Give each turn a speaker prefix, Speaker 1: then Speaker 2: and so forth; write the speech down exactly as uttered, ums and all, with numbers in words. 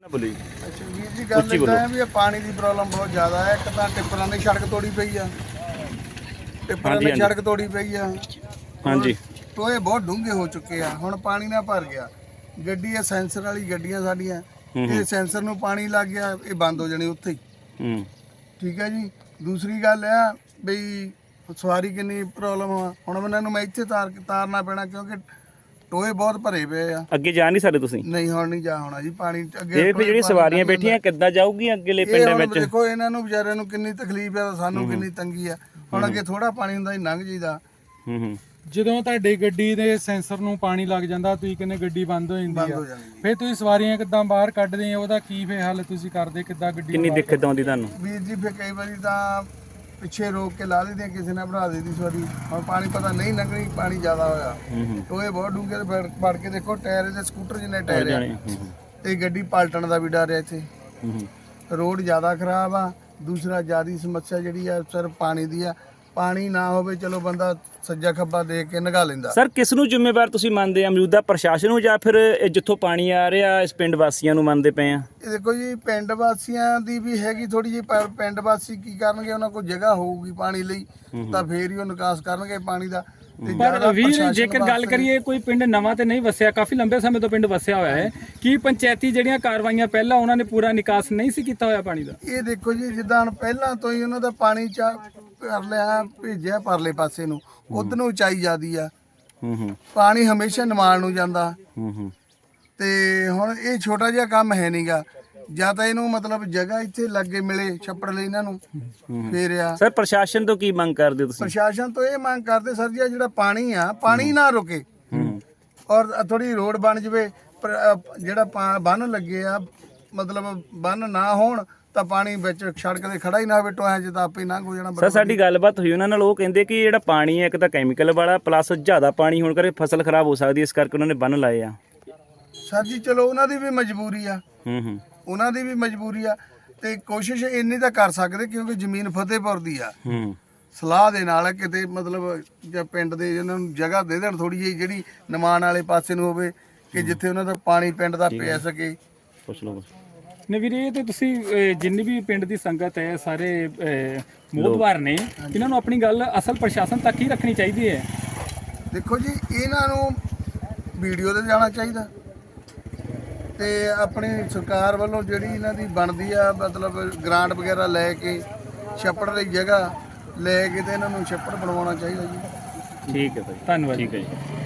Speaker 1: ਬੋਲੀ
Speaker 2: ਅੱਛਾ ਵੀਰ ਜੀ, ਗੱਲ ਇੱਦਾਂ ਹੈ ਵੀ ਇਹ ਪਾਣੀ ਦੀ ਪ੍ਰੋਬਲਮ ਬਹੁਤ ਜ਼ਿਆਦਾ ਹੈ। ਇੱਕ ਤਾਂ ਟਿੱਪਰਾਂ ਦੀ ਸੜਕ ਤੋੜੀ ਪਈ ਆ, ਟਿੱਪਰਾਂ ਦੀ ਸੜਕ ਤੋੜੀ ਪਈ ਆ।
Speaker 1: ਹਾਂਜੀ,
Speaker 2: ਟੋਏ ਬਹੁਤ ਡੂੰਘੇ ਹੋ ਚੁੱਕੇ ਆ, ਹੁਣ ਪਾਣੀ ਨਾਲ ਭਰ ਗਿਆ। ਗੱਡੀ ਆ ਸੈਂਸਰ ਵਾਲੀ ਗੱਡੀਆਂ ਸਾਡੀਆਂ, ਇਹ ਸੈਂਸਰ ਨੂੰ ਪਾਣੀ ਲੱਗ ਗਿਆ, ਇਹ ਬੰਦ ਹੋ ਜਾਣੀ ਉੱਥੇ ਹੀ।
Speaker 1: ਹੂੰ
Speaker 2: ਠੀਕ ਹੈ ਜੀ। ਦੂਸਰੀ ਗੱਲ ਆ ਬਈ ਸਵਾਰੀ ਕਿੰਨੀ ਪ੍ਰੋਬਲਮ ਆ, ਹੁਣ ਇਹਨਾਂ ਨੂੰ ਮੈਂ ਇੱਥੇ ਤਾਰ ਤਾਰਨਾ ਪੈਣਾ ਕਿਉਂਕਿ ਟੋਏ ਬਹੁਤ ਭਰੇ ਪਏ ਆ।
Speaker 1: ਅੱਗੇ ਜਾ ਨਹੀਂ ਸਕਦੇ ਤੁਸੀਂ?
Speaker 2: ਨਹੀਂ ਹੁਣ ਨਹੀਂ ਜਾ ਹੋਣਾ ਜੀ, ਪਾਣੀ ਅੱਗੇ
Speaker 1: ਇਹ ਜਿਹੜੀ ਸਵਾਰੀਆਂ ਬੈਠੀਆਂ ਕਿੱਦਾਂ ਜਾਊਗੀਆਂ ਅੱਗੇਲੇ ਪਿੰਡਾਂ ਵਿੱਚ?
Speaker 2: ਦੇਖੋ ਇਹਨਾਂ ਨੂੰ ਵਿਚਾਰਿਆਂ ਨੂੰ ਕਿੰਨੀ ਤਕਲੀਫ ਆ, ਸਾਨੂੰ ਕਿੰਨੀ ਤੰਗੀ ਆ। ਹੁਣ ਅੱਗੇ ਥੋੜਾ ਪਾਣੀ ਹੁੰਦਾ ਸੀ, ਲੰਘ ਜੀਦਾ।
Speaker 1: ਹੂੰ ਹੂੰ
Speaker 3: ਜਦੋਂ ਤੁਹਾਡੀ ਗੱਡੀ ਦੇ ਸੈਂਸਰ ਨੂੰ ਪਾਣੀ ਲੱਗ ਜਾਂਦਾ, ਤੁਸੀਂ ਕਹਿੰਦੇ ਗੱਡੀ ਬੰਦ ਹੋ ਜਾਂਦੀ ਆ,
Speaker 2: ਜਾਂਦੀ
Speaker 3: ਫਿਰ ਤੁਸੀਂ ਸਵਾਰੀਆਂ ਕਿੱਦਾਂ ਬਾਹਰ ਕੱਢਦੇ ਆ? ਉਹਦਾ ਕੀ ਫੇ ਹੱਲ ਤੁਸੀਂ ਕਰਦੇ? ਕਿੱਦਾਂ ਗੱਡੀ
Speaker 1: ਕਿੰਨੀ ਦਿੱਕਤ ਆਉਂਦੀ ਤੁਹਾਨੂੰ?
Speaker 2: ਵੀਰ ਜੀ ਫਿਰ ਕਈ ਵਾਰੀ ਤਾਂ ਪਿੱਛੇ ਰੋਕ ਕੇ ਲਾ ਦਿੰਦੇ, ਕਿਸੇ ਨੇ ਬਣਾ ਦਿੱਤੀ ਸਵਾਰੀ। ਹੁਣ ਪਾਣੀ ਪਤਾ ਨਹੀਂ ਲੰਘਣੀ, ਪਾਣੀ ਜ਼ਿਆਦਾ ਹੋਇਆ।
Speaker 1: ਹੂੰ ਹੂੰ
Speaker 2: ਟੋਏ ਬਹੁਤ ਡੂੰਘੇ ਤੇ ਫੜ ਕੇ ਦੇਖੋ, ਟਾਇਰ ਦੇ ਸਕੂਟਰ ਜਿੰਨੇ ਟਾਇਰ ਆ,
Speaker 1: ਹੂੰ ਹੂੰ
Speaker 2: ਤੇ ਗੱਡੀ ਪਲਟਣ ਦਾ ਵੀ ਡਰ ਹੈ ਇੱਥੇ।
Speaker 1: ਹੂੰ ਹੂੰ
Speaker 2: ਰੋਡ ਜ਼ਿਆਦਾ ਖਰਾਬ ਆ। ਦੂਸਰਾ ਜ਼ਿਆਦੀ ਸਮੱਸਿਆ ਜਿਹੜੀ ਆ ਸਿਰਫ ਪਾਣੀ ਦੀ ਆ। ਪਾਣੀ ਨਾ ਹੋਵੇ ਚਲੋ ਬੰਦਾ ਸੱਜਾ ਖੱਬਾ ਦੇਖ ਕੇ ਨਗਾ ਲੈਂਦਾ।
Speaker 1: ਸਰ, ਕਿਸ ਨੂੰ ਜ਼ਿੰਮੇਵਾਰ ਤੁਸੀਂ ਮੰਨਦੇ ਆ? ਮੌਜੂਦਾ ਪ੍ਰਸ਼ਾਸਨ ਨੂੰ ਜਾਂ ਫਿਰ ਇਹ ਜਿੱਥੋਂ ਪਾਣੀ ਆ ਰਿਹਾ ਇਸ ਪਿੰਡ ਵਾਸੀਆਂ ਨੂੰ ਮੰਨਦੇ ਪਏ ਆ?
Speaker 2: ਇਹ ਦੇਖੋ ਜੀ, ਪਿੰਡ ਵਾਸੀਆਂ ਦੀ ਵੀ ਹੈਗੀ ਥੋੜੀ ਜਿਹੀ, ਪਰ ਪਿੰਡ ਵਾਸੀ ਕੀ ਕਰਨਗੇ? ਉਹਨਾਂ ਕੋਲ ਜਗ੍ਹਾ ਹੋਊਗੀ ਪਾਣੀ ਲਈ ਤਾਂ ਫੇਰ ਹੀ ਉਹ ਨਿਕਾਸ ਕਰਨਗੇ ਪਾਣੀ ਦਾ। ਤੇ
Speaker 3: ਪਰ
Speaker 2: ਜ਼ਿਆਦਾ
Speaker 3: ਵੀਰ,
Speaker 2: ਪ੍ਰਸ਼ਾਸਨ
Speaker 3: ਜੇਕਰ ਗੱਲ
Speaker 2: ਵਾਸਤੇ-
Speaker 3: ਕਰੀਏ, ਕੋਈ ਪਿੰਡ ਨਵਾਂ ਤੇ ਨਹੀਂ ਵਸਿਆ, ਕਾਫੀ ਲੰਬੇ ਸਮੇਂ ਤੋਂ ਪਿੰਡ ਵਸਿਆ ਹੋਇਆ ਹੈ, ਕੀ ਪੰਚਾਇਤੀ ਜਿਹੜੀਆਂ ਕਾਰਵਾਈਆਂ ਪਹਿਲਾਂ ਉਹਨਾਂ ਨੇ ਪੂਰਾ ਨਿਕਾਸ ਨਹੀਂ ਸੀ ਕੀਤਾ ਹੋਇਆ ਪਾਣੀ ਦਾ?
Speaker 2: ਇਹ ਦੇਖੋ ਜੀ, ਜਿੱਦਾਂ ਹੁਣ ਪਹਿਲਾਂ ਤੋਂ ਹੀ ਉਹਨਾਂ ਦਾ ਪਾਣੀ ਚਾ ਕਰ ਲਿਆ, ਭੇਜਿਆ ਪਰਲੇ ਪਾਸੇ ਨੂੰ, ਉਧਰ ਨੂੰ ਉਚਾਈ ਜਾਂਦੀ ਆ।
Speaker 1: ਹੂੰ ਹੂੰ
Speaker 2: ਪਾਣੀ ਹਮੇਸ਼ਾ ਨਿਮਾਣ ਨੂੰ ਜਾਂਦਾ,
Speaker 1: ਹੂੰ ਹੂੰ
Speaker 2: ਤੇ ਹੁਣ ਇਹ ਛੋਟਾ ਜਿਹਾ ਕੰਮ ਹੈ ਨਹੀਂਗਾ। ਜਾਂ ਤਾਂ ਇਹਨੂੰ ਮਤਲਬ ਜਗ੍ਹਾ ਇੱਥੇ ਲੱਗੇ ਮਿਲੇ ਛੱਪੜ ਲਈ ਇਹਨਾਂ ਨੂੰ, ਫੇਰ ਆ।
Speaker 1: ਸਰ, ਪ੍ਰਸ਼ਾਸਨ ਤੋਂ ਕੀ ਮੰਗ ਕਰਦੇ ਹੋ ਤੁਸੀਂ?
Speaker 2: ਪ੍ਰਸ਼ਾਸਨ ਤੋਂ ਇਹ ਮੰਗ ਕਰਦੇ ਸਰ ਜੀ, ਜਿਹੜਾ ਪਾਣੀ ਆ, ਪਾਣੀ ਨਾ ਰੁਕੇ
Speaker 1: ਹੂੰ
Speaker 2: ਔਰ ਥੋੜੀ ਰੋਡ ਬਣ ਜਵੇ। ਪਰ ਅ, ਜਿਹੜਾ ਪਾ- ਬੰਨ ਲੱਗੇ ਆ, ਮਤਲਬ ਬੰਨ ਨਾ ਹੋਣ ਤਾਂ ਪਾਣੀ ਵਿੱਚ ਸੜਕ ਤੇ ਖੜਾ ਹੀ ਨਾ ਹੋਵੇ, ਟੋਇਆਂ 'ਚ ਤਾਂ ਆਪੇ ਲੰਘ ਹੋ ਜਾਣਾ।
Speaker 1: ਸਰ, ਸਾਡੀ ਗੱਲਬਾਤ ਹੋਈ ਉਹਨਾਂ ਨਾਲ, ਉਹ ਕਹਿੰਦੇ ਕਿ ਜਿਹੜਾ ਪਾਣੀ ਹੈ ਇੱਕ ਤਾਂ ਕੈਮੀਕਲ ਵਾਲਾ, ਪਲੱਸ ਜ਼ਿਆਦਾ ਪਾਣੀ ਹੋਣ ਕਰਕੇ ਫਸਲ ਖਰਾਬ ਹੋ ਸਕਦੀ ਹੈ, ਇਸ ਕਰਕੇ ਉਹਨਾਂ ਨੇ ਬੰਨ ਲਾਏ ਆ।
Speaker 2: ਸਰ ਜੀ ਚਲੋ, ਉਹਨਾਂ ਦੀ ਵੀ ਮਜਬੂਰੀ ਆ,
Speaker 1: ਹੂੰ ਹੂੰ
Speaker 2: ਉਹਨਾਂ ਦੀ ਵੀ ਮਜਬੂਰੀ ਆ, ਤੇ ਕੋਸ਼ਿਸ਼ ਇੰਨੀ ਤਾਂ ਕਰ ਸਕਦੇ ਕਿਉਂਕਿ ਜ਼ਮੀਨ ਫਤਿਹਪੁਰ ਦੀ ਆ।
Speaker 1: ਹੂੰ
Speaker 2: ਸਲਾਹ ਦੇ ਨਾਲ ਕਿਤੇ ਮਤਲਬ ਜਾਂ ਪਿੰਡ ਦੇ ਇਹਨਾਂ ਨੂੰ ਜਗ੍ਹਾ ਦੇ ਦੇਣ ਥੋੜੀ ਜਿਹੀ, ਜਿਹੜੀ ਨਿਮਾਣ ਵਾਲੇ ਪਾਸੇ ਨੂੰ ਹੋਵੇ, ਕਿ ਜਿੱਥੇ ਉਹਨਾਂ ਦਾ ਪਾਣੀ ਪਿੰਡ ਦਾ ਪੈ ਸਕੇ।
Speaker 1: ਪੁੱਛ ਲਓ।
Speaker 3: ਨੇ ਵੀਰੇ, ਇਹ ਤੇ ਤੁਸੀਂ ਅਹ, ਜਿੰਨੀ ਵੀ ਪਿੰਡ ਦੀ ਸੰਗਤ ਹੈ, ਸਾਰੇ ਮੋਹਤਵਾਰ ਨੇ, ਇਹਨਾਂ ਨੂੰ ਆਪਣੀ ਗੱਲ ਅਸਲ ਪ੍ਰਸ਼ਾਸਨ ਤੱਕ ਹੀ ਰੱਖਣੀ ਚਾਹੀਦੀ ਹੈ।
Speaker 2: ਦੇਖੋ ਜੀ, ਇਹਨਾਂ ਨੂੰ ਵੀਡੀਓ ਤੇ ਜਾਣਾ ਚਾਹੀਦਾ, ਤੇ ਆਪਣੀ ਸਰਕਾਰ ਵੱਲੋਂ ਜਿਹੜੀ ਇਹਨਾਂ ਦੀ ਬਣਦੀ ਆ, ਮਤਲਬ ਗ੍ਰਾਂਟ ਵਗੈਰਾ ਲੈ ਕੇ ਛੱਪੜ ਦੀ ਜਗ੍ਹਾ ਲੈ ਕੇ ਤੇ ਇਹਨਾਂ ਨੂੰ ਛੱਪੜ ਬਣਵਾਉਣਾ ਚਾਹੀਦਾ ਜੀ।
Speaker 1: ਠੀਕ ਹੈ ਭਾਈ,
Speaker 3: ਧੰਨਵਾਦ।
Speaker 1: ਠੀਕ ਹੈ ਜੀ।